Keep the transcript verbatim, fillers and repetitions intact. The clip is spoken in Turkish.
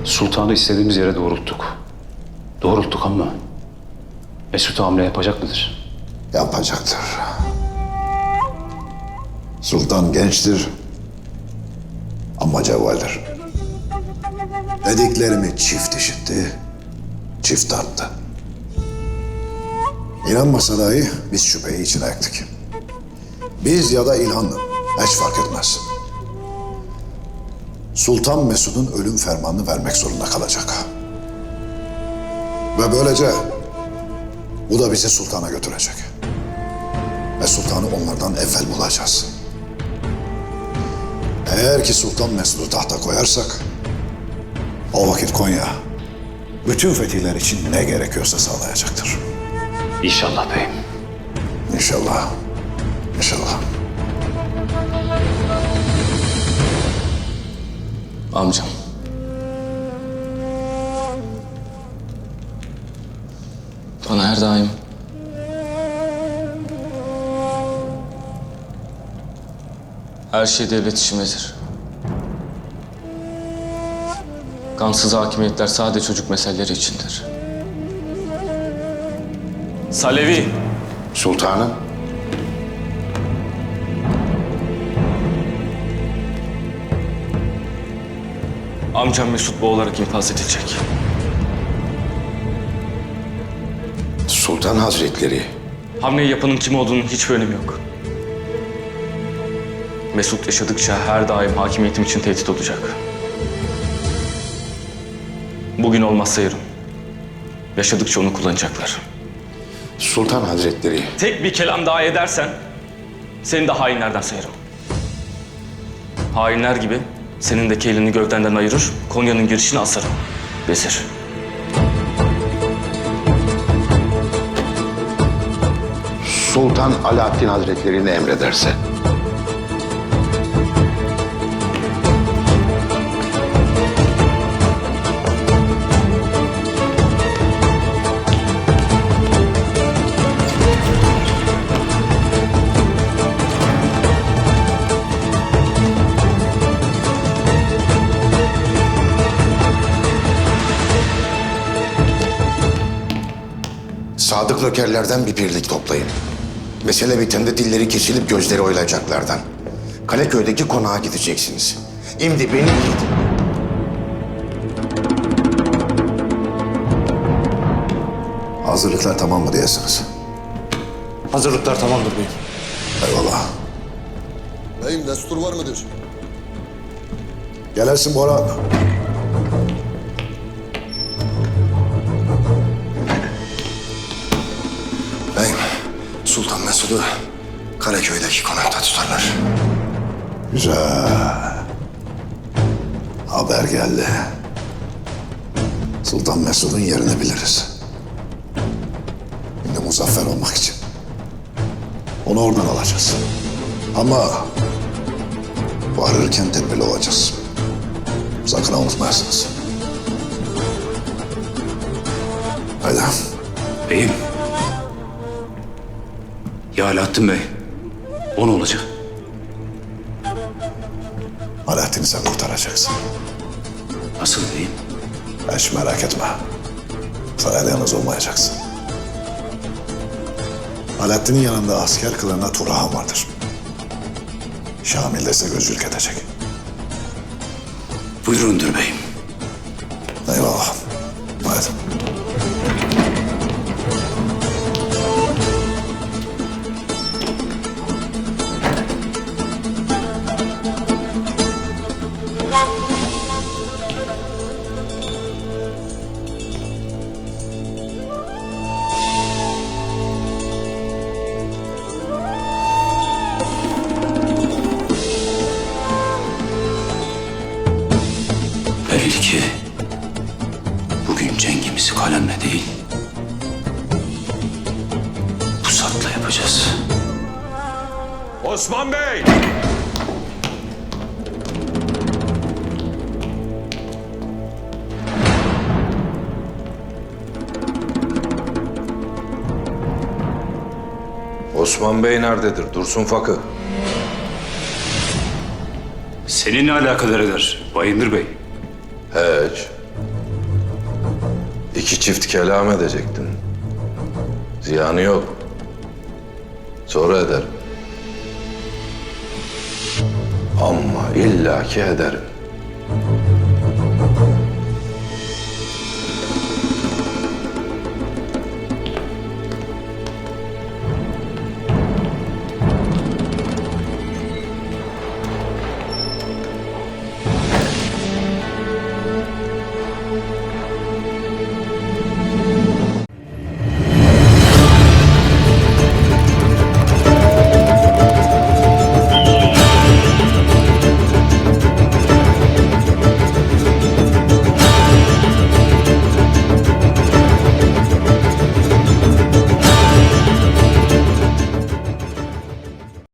Sultanı istediğimiz yere doğrulttuk. Doğrulttuk ama Mesut hamle yapacak mıdır? Yapacaktır. Sultan gençtir ama cevvaldir. Dediklerimi çift işitti, çift tarttı. İnanmasa dahi biz şüpheyi içine ektik. Biz ya da İlhan hiç fark etmez. Sultan Mesud'un ölüm fermanını vermek zorunda kalacak. Ve böylece bu da bizi sultana götürecek. Ve sultanı onlardan evvel bulacağız. Eğer ki Sultan Mesud'u tahta koyarsak, o vakit Konya bütün fetihler için ne gerekiyorsa sağlayacaktır. İnşallah beyim. İnşallah. İnşallah. Amcam. Bana her daim her şey devlet işimizdir. Kansız hakimiyetler sadece çocuk meseleleri içindir. Salevi. Sultanım. Amcam Mesut boğularak infaz edilecek. Sultan Hazretleri. Hamleyi yapanın kim olduğunun hiçbir önemi yok. Mesut yaşadıkça her daim hakimiyetim için tehdit olacak. Bugün olmazsa yarın. Yaşadıkça onu kullanacaklar. Sultan Hazretleri. Tek bir kelam daha edersen seni de hainlerden sayarım. Hainler gibi senin de kelini gövdenden ayırır, Konya'nın girişine asarım. Vezir. Sultan Alaaddin Hazretleri ne emrederse. Sadık nökerlerden bir birlik toplayın. Mesele bitende dilleri kesilip gözleri oylayacaklardan. Kaleköy'deki konağa gideceksiniz. Şimdi beni gidin. Hazırlıklar tamam mı diyesiniz? Hazırlıklar tamamdır beyim. Eyvallah. Beyim destur var mıdır? Gelirsin Boran. Beyim, Sultan Mesud'u Karaköy'deki konakta tutarlar. Güzel. Haber geldi. Sultan Mesud'un yerini biliriz. Şimdi muzaffer olmak için. Onu oradan alacağız. Ama varırken tedbirli olacağız. Sakın unutmayasınız. Haydi. Beyim. Ya Alaaddin Bey. O ne olacak? Alaaddin'i sen kurtaracaksın. Nasıl beyim? Hiç merak etme. Sarayda yalnız olmayacaksın. Alaaddin'in yanında asker kılığında Turhan vardır. Şamil de size gözcülük edecek. Buyurundur beyim. Eyvallah. Haydi. Belli ki bugün cengimizi kalemle değil, pusatla yapacağız. Osman Bey! Osman Bey nerededir? Dursun Fakı. Seni ne alakadar eder Bayındır Bey? Hiç. İki çift kelam edecektin. Ziyanı yok. Sonra ederim. Ama illaki ederim.